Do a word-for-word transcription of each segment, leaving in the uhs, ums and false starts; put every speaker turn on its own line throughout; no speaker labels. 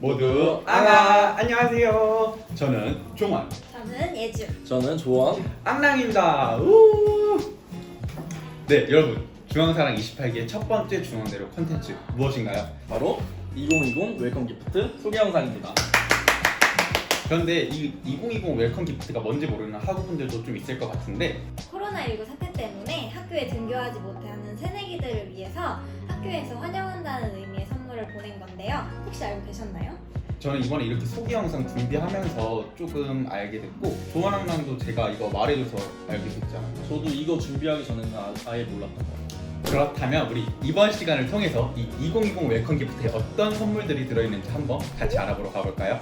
모두 앙아! 안녕하세요. 저는 종원,
저는 예주.
저는 조원.
앙랑입니다. 우! 네, 여러분. 중앙사랑 이십팔 기의 첫 번째 중앙대로 콘텐츠 무엇인가요?
바로 이천이십 웰컴 기프트 소개 영상입니다.
그런데 이 이천이십 웰컴 기프트가 뭔지 모르는 학우분들도 좀 있을 것 같은데
코로나십구 사태 때문에 학교에 등교하지 못하는 새내기들을 위해서 학교에서 환영한다는 의미의 선물을 보낸 건데요. 혹시 알고 계셨나요?
저는 이번에 이렇게 소개 영상 준비하면서 조금 알게 됐고 조원학랑도 제가 이거 말해줘서 알게 됐잖아요.
저도 이거 준비하기 전에는 아, 아예 몰랐던 것 같아요.
그렇다면 우리 이번 시간을 통해서 이 이천이십 웰컴 기프트에 어떤 선물들이 들어있는지 한번 같이 알아보러 가볼까요?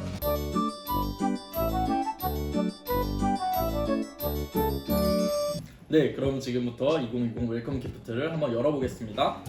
네, 그럼 지금부터 이천이십 웰컴 기프트를 한번 열어보겠습니다.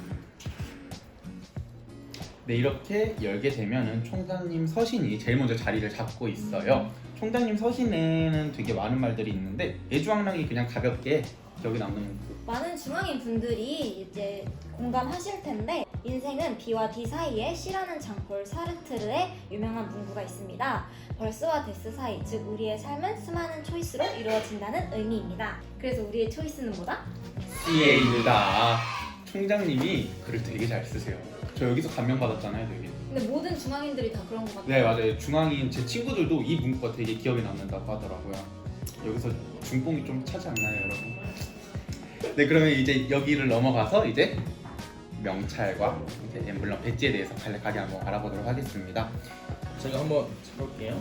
네, 이렇게 열게 되면은 총장님 서신이 제일 먼저 자리를 잡고 있어요. 총장님 서신에는 되게 많은 말들이 있는데 예주왕랑이 그냥 가볍게 기억에 남는
많은 중앙인 분들이 이제 공감하실 텐데 인생은 B와 D 사이에 C라는 장폴 사르트르의 유명한 문구가 있습니다. 벌스와 데스 사이, 즉 우리의 삶은 수많은 초이스로 이루어진다는 의미입니다. 그래서 우리의 초이스는 뭐다?
씨에이다. 총장님이 글을 되게 잘 쓰세요. 저 여기서 감명 받았잖아요, 되게.
근데 모든 중앙인들이 다 그런 것 같아요.
네, 맞아요. 중앙인 제 친구들도 이 문구가 되게 기억에 남는다고 하더라고요. 여기서 중뽕이 좀 차지 않나요, 여러분? 네, 그러면 이제 여기를 넘어가서 이제 명찰과 이제 엠블럼 배지에 대해서 간략하게 한번 알아보도록 하겠습니다.
제가 한번 쳐볼게요.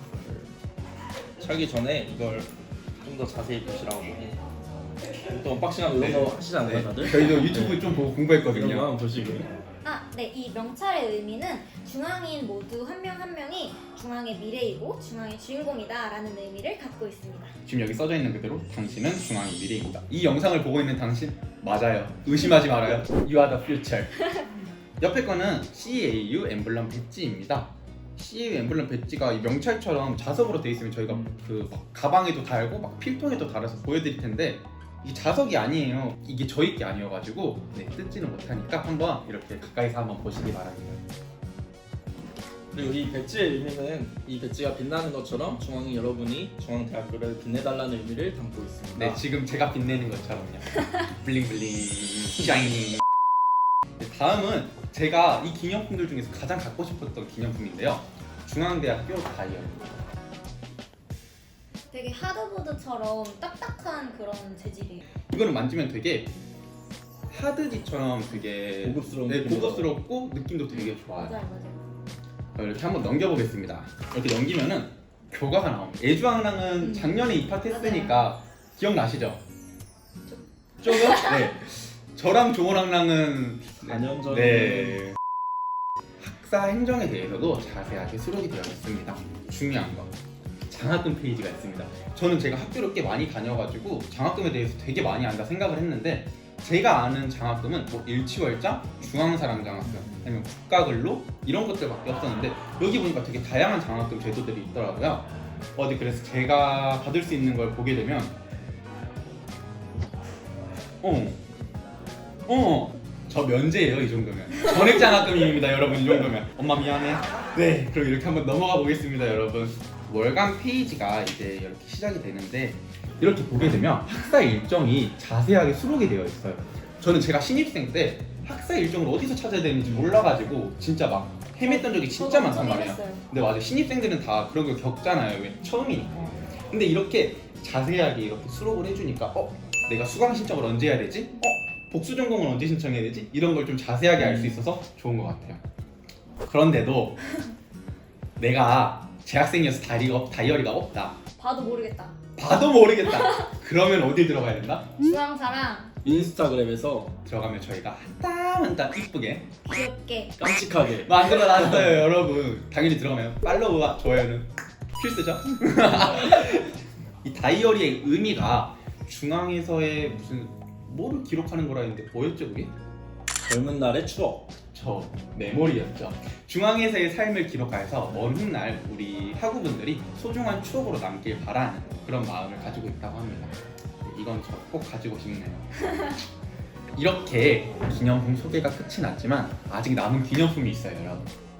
차기 전에 이걸 좀 더 자세히 보시라고. 또 언박싱하고 이런
네.
거 하시지 않나요,
네,
다들?
저희도 유튜브
네.
좀 보고
이런 거
공부했거든요.
한번 보시고요.
아, 네. 이 명찰의 의미는 중앙인 모두 한 명 한 명이 중앙의 미래이고 중앙의 주인공이다 라는 의미를 갖고 있습니다.
지금 여기 써져 있는 그대로 당신은 중앙의 미래입니다. 이 영상을 보고 있는 당신 맞아요. 의심하지 말아요. You are the future. 옆에 거는 씨에이유 엠블럼 배지입니다. 씨에이유 엠블럼 배지가 이 명찰처럼 자석으로 돼 있으면 저희가 그 막 가방에도 달고 막 필통에도 달아서 보여드릴 텐데 이 자석이 아니에요. 이게 저희 게 아니어가지고 네, 뜯지는 못하니까 한번 이렇게 가까이서 한번 보시기 바랍니다.
그리고 이 배지의 의미는 이 배지가 빛나는 것처럼 중앙인 여러분이 중앙대학교를 빛내달라는 의미를 담고 있습니다.
네, 지금 제가 빛내는 것처럼요. 블링블링 샤이닝. 네, 다음은 제가 이 기념품들 중에서 가장 갖고 싶었던 기념품인데요. 중앙대학교 다이어리.
되게 하드보드처럼 딱딱한 그런 재질이에요.
이거는 만지면 되게 하드지처럼 되게
고급스러운
네,
느낌으로.
고급스럽고 느낌도 되게 좋아요.
맞아요, 맞아요.
이렇게 한번 넘겨보겠습니다. 이렇게 넘기면은 교과가 나옵니다. 예주왕랑은
음.
작년에 입학했으니까 기억나시죠? 조금? 네. 저랑 조원왕랑은
사 년 전.
네. 학사 행정에 대해서도 자세하게 수록이 되어 있습니다. 중요한 거. 장학금 페이지가 있습니다. 저는 제가 학교를 꽤 많이 다녀가지고 장학금에 대해서 되게 많이 안다 생각을 했는데 제가 아는 장학금은 뭐 일치월장, 중앙사랑 장학금, 아니면 국가근로 이런 것들밖에 없었는데 여기 보니까 되게 다양한 장학금 제도들이 있더라고요. 어디 그래서 제가 받을 수 있는 걸 보게 되면 어, 어, 저 면제예요 이 정도면. 전액 장학금입니다 여러분 이 정도면. 엄마 미안해. 네, 그럼 이렇게 한번 넘어가 보겠습니다 여러분. 월간 페이지가 이제 이렇게 시작이 되는데 이렇게 보게 되면 학사 일정이 자세하게 수록이 되어 있어요. 저는 제가 신입생 때 학사 일정을 어디서 찾아야 되는지 몰라가지고 진짜 막 헤맸던 적이 진짜 많단 말이에요. 근데 맞아요. 신입생들은 다 그런 걸 겪잖아요. 왜 처음이니까. 근데 이렇게 자세하게 이렇게 수록을 해주니까 어? 내가 수강 신청을 언제 해야 되지? 어? 복수 전공을 언제 신청해야 되지? 이런 걸 좀 자세하게 알 수 있어서 좋은 것 같아요. 그런데도 내가 재학생이어서 다이어리가, 다이어리가 없다.
봐도 모르겠다.
봐도 모르겠다. 그러면 어디 들어가야 된다?
중앙사랑
인스타그램에서
들어가면 저희가 한 땀 한 땀 이쁘게
귀엽게
깜찍하게
만들어놨어요 여러분. 당연히 들어가면 팔로우와 좋아요는 필수죠. 이 다이어리의 의미가 중앙에서의 무슨 뭐를 기록하는 거라 했는데 뭐였죠 그게?
젊은 날의 추억.
저 메모리였죠. 중앙에서의 삶을 기록해서 먼 훗날 우리 학우분들이 소중한 추억으로 남길 바라는 그런 마음을 가지고 있다고 합니다. 이건 저 꼭 가지고 싶네요. 이렇게 기념품 소개가 끝이 났지만 아직 남은 기념품이 있어요 여러분.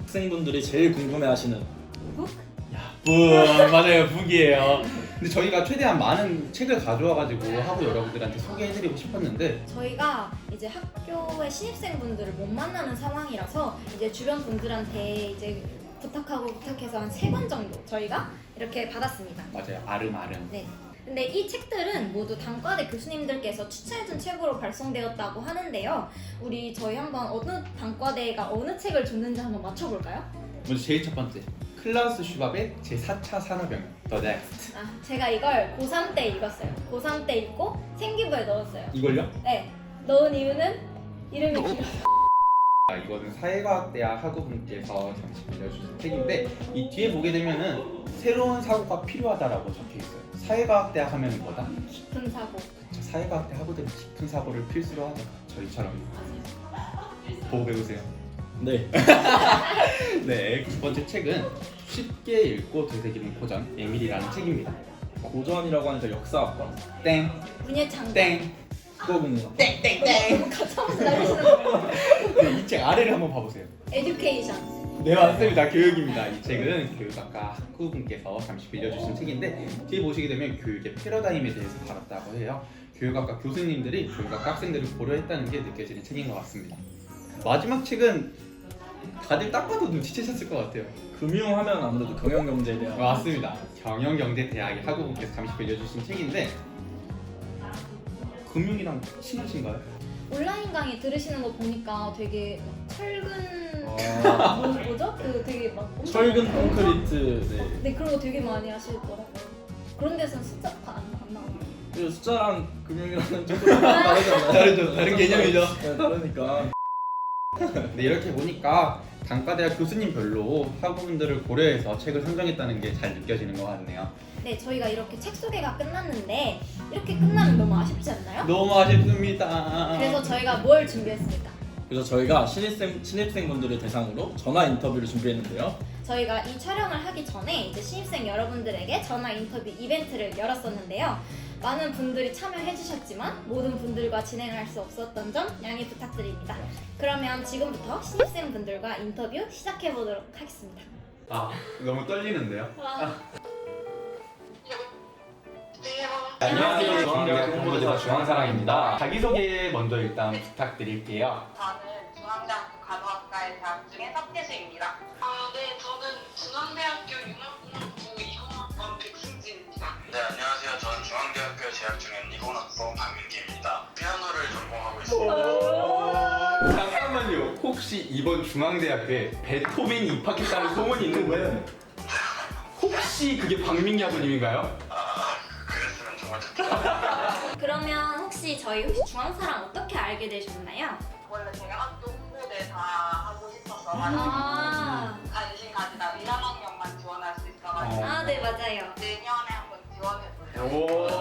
학생분들이 제일 궁금해하시는
북?
부 맞아요, 북이에요. 근데 저희가 최대한 많은 책을 가져와가지고 하고 여러분들한테 소개해드리고 싶었는데
저희가 이제 학교의 신입생분들을 못 만나는 상황이라서 이제 주변 분들한테 이제 부탁하고 부탁해서 한 세 권 정도 저희가 이렇게 받았습니다.
맞아요, 아름아름.
네. 근데 이 책들은 모두 단과대 교수님들께서 추천해준 책으로 발송되었다고 하는데요. 우리 저희 한번 어느 단과대가 어느 책을 줬는지 한번 맞춰볼까요?
먼저 제일 첫 번째, 클라우스 슈밥의 제사 차 산업혁명, The Next.
아, 제가 이걸 고삼 때 읽었어요. 고삼 때 읽고 생기부에 넣었어요.
이걸요?
네. 넣은 이유는 이름이 길어요.
아, 이거는 사회과학대학 학우분께서 잠시 빌려주신 책인데 이 뒤에 보게 되면은 새로운 사고가 필요하다라고 적혀 있어요. 사회과학대학 하면 뭐다?
깊은 사고.
저 사회과학대 학우들은 깊은 사고를 필수로 하죠. 저희처럼
맞아요.
보고 배우세요.
네.
네, 두 번째 책은 쉽게 읽고 되새기는 고전, 에밀이라는 책입니다.
고전이라고 하니까 역사학과
땡,
문예창.
땡,
국어국문학
땡땡땡.
가차없이 날리시는 거.
네, 이 책 아래를 한번 봐보세요.
에듀케이션.
네, 맞습니다. 교육입니다. 이 책은 교육학과 학부분께서 잠시 빌려주신 책인데 뒤에 보시게 되면 교육의 패러다임에 대해서 다뤘다고 해요. 교육학과 교수님들이 교육학과 학생들을 고려했다는 게 느껴지는 책인 것 같습니다. 마지막 책은 다들 딱 봐도 눈치채셨을 것 같아요.
금융하면 아무래도 경영경제대학
맞습니다. 경영경제대학의 학우분께서 잠시 빌려주신 책인데 금융이랑 친하신가요?
온라인 강의 들으시는 거 보니까 되게 막 철근
아,
뭐, 뭐죠? 그 되게 막 엄청
철근 콘크리트 네.
네 그런 거 되게 많이 하시더라고요. 그런 데서는 숫자 안, 안 나와요.
그 숫자랑 금융이랑은 조금 다르잖아요.
다르죠. 다른 개념이죠.
네, 다르니까.
네, 이렇게 보니까 단과대학 교수님별로 학우분들을 고려해서 책을 선정했다는 게 잘 느껴지는 것 같네요.
네 저희가 이렇게 책 소개가 끝났는데 이렇게 끝나면 너무 아쉽지 않나요?
너무 아쉽습니다.
그래서 저희가 뭘 준비했습니까?
그래서 저희가 신입생, 신입생분들을 대상으로 전화 인터뷰를 준비했는데요.
저희가 이 촬영을 하기 전에 이제 신입생 여러분들에게 전화 인터뷰 이벤트를 열었었는데요. 많은 분들이 참여해 주셨지만 모든 분들과 진행할 수 없었던 점 양해 부탁드립니다. 그러면 지금부터 신입생 분들과 인터뷰 시작해 보도록 하겠습니다.
아, 너무 떨리는데요.
와.
안녕하세요. 중앙대학 홍보대사 중앙사랑입니다. 자기소개 먼저 일단 부탁드릴게요.
저는 중앙대학교 간호학과에 재학 중인 석태수입니다. 아, 네, 저는 중앙대학교 융합공학부 이공학번 백승진입니다.
네, 안녕하세요. 저는 중앙대학교에 재학 중인 이공학번 박민기입니다. 피아노를 전공하고 있습니다.
잠깐만요. 혹시 이번 중앙대학교에 베토벤이 입학했다는 소문이 있는데 혹시 그게 박민기 학우님인가요?
아, 그랬으면 정말 좋겠다.
그러면 혹시 저희 혹시 중앙사랑 어떻게 알게 되셨나요?
원래 제가 학교 홍보대사 하고 싶어서
아,
관심 가지다 일, 학년만 지원할 수 있어가지고
아, 네 맞아요.
내년에 한번 지원해보려고.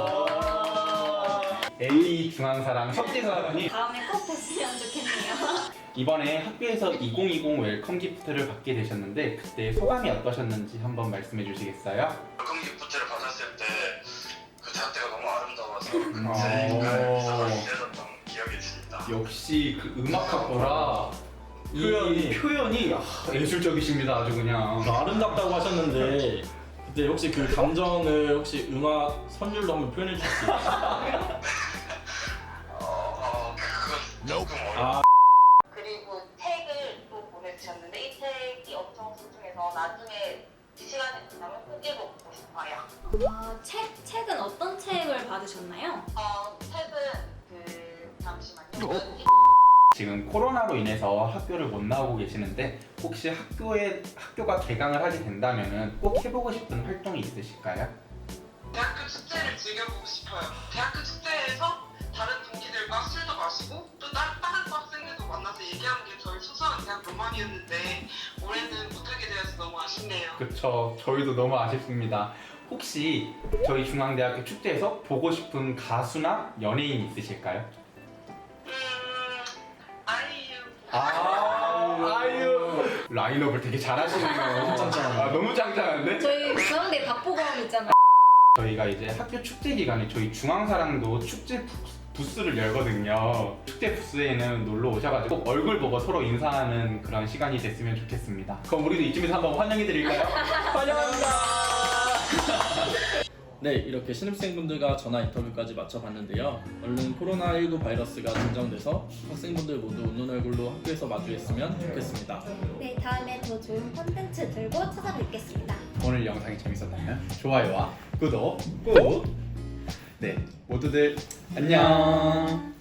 오. 에이 중앙사랑 석재사랑이
다음에 꼭 뵀으면 좋겠네요.
이번에 학교에서 이천이십 웰컴 기프트를 받게 되셨는데 그때 소감이 어떠셨는지 한번 말씀해 주시겠어요?
welcome 기프트를 받았을 때 그 자태가 너무 아름다워서
오.
제가 미소가 지어졌던 기억이 있습니다.
역시 그 음악학과라 이
표현이.
표현이 아, 예술적이십니다. 아주 그냥.
아름답다고 하셨는데 그때 혹시 그 감정을 혹시 음악 선율로 한번 표현해 주실 수 있어요?
어, 어, 그건 조금 어려워.
아,
그리고 책을 또 보내주셨는데 이 책이 엄청 소중해서 나중에 시간이 지나면 꼭 읽어보고 싶어요.
아, 책, 책은 어떤 책을 받으셨나요?
어, 책은 그 잠시만요.
지금 코로나로 인해서 학교를 못 나오고 계시는데 혹시 학교에 학교가 개강을 하게 된다면은 꼭 해보고 싶은 활동이 있으실까요?
대학교 축제를 즐겨보고 싶어요. 대학교 축제에서 다른 동기들과 술도 마시고 또 다른, 다른 과 학생들도 만나서 얘기하는 게 저희 소소한 대학 로망이었는데 올해는 못하게 되어서 너무 아쉽네요.
그쵸. 저희도 너무 아쉽습니다. 혹시 저희 중앙대학교 축제에서 보고 싶은 가수나 연예인 있으실까요?
음... 아이유.
아, 아유. 라인업을 되게 잘하시네요.
짱짱하네.
아, 너무 짱짱한데?
저희 중앙대 박보검 있잖아요.
저희가 이제 학교 축제 기간에 저희 중앙사랑도 축제 부- 부스를 열거든요. 축제 부스에는 놀러 오셔가지고 꼭 얼굴 보고 서로 인사하는 그런 시간이 됐으면 좋겠습니다. 그럼 우리도 이쯤에서 한번 환영해드릴까요? 환영합니다.
네, 이렇게 신입생분들과 전화 인터뷰까지 마쳐봤는데요. 얼른 코로나십구 바이러스가 진정돼서 학생분들 모두 웃는 얼굴로 학교에서 마주했으면 좋겠습니다.
네, 다음에 더 좋은 콘텐츠 들고 찾아뵙겠습니다.
오늘 영상이 재밌었다면 좋아요와 구독 꾹! 네, 모두들 안녕.